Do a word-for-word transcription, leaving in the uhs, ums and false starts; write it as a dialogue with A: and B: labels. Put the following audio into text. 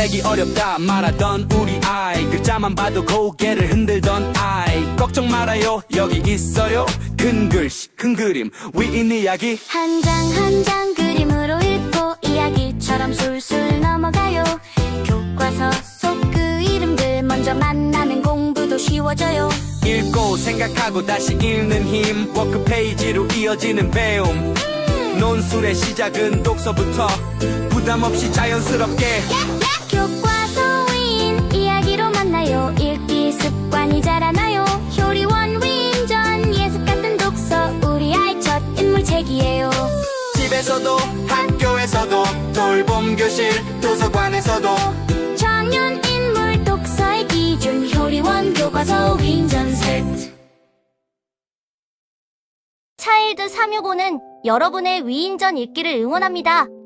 A: 읽기 어렵다 말하던 우리 아이, 글자만 봐도 고개를 흔들던 아이. 걱정 말아요, 여기 있어요. 큰 글씨 큰 그림 위인 이야기.
B: 한 장 한 장 그림으로 읽고 이야기처럼 술술 넘어가요. 교과서 속 그 이름들 먼저 만나면 공부도 쉬워져요.
A: 읽고 생각하고 다시 읽는 힘, 워크페이지로 이어지는 배움. 논술의 시작은 독서부터 부담 없이 자연스럽게.
B: 교과서 위인 이야기로 만나요. 읽기 습관이 자라나요. 효리원 위인전 예습 같은 독서 우리 아이 첫 인물책이에요.
A: 집에서도 학교에서도 돌봄 교실 도서관에서도
B: 청년 인물 독서의 기준 효리원 교과서 위인전 세트.
C: 차일드 삼육오는 여러분의 위인전 읽기를 응원합니다.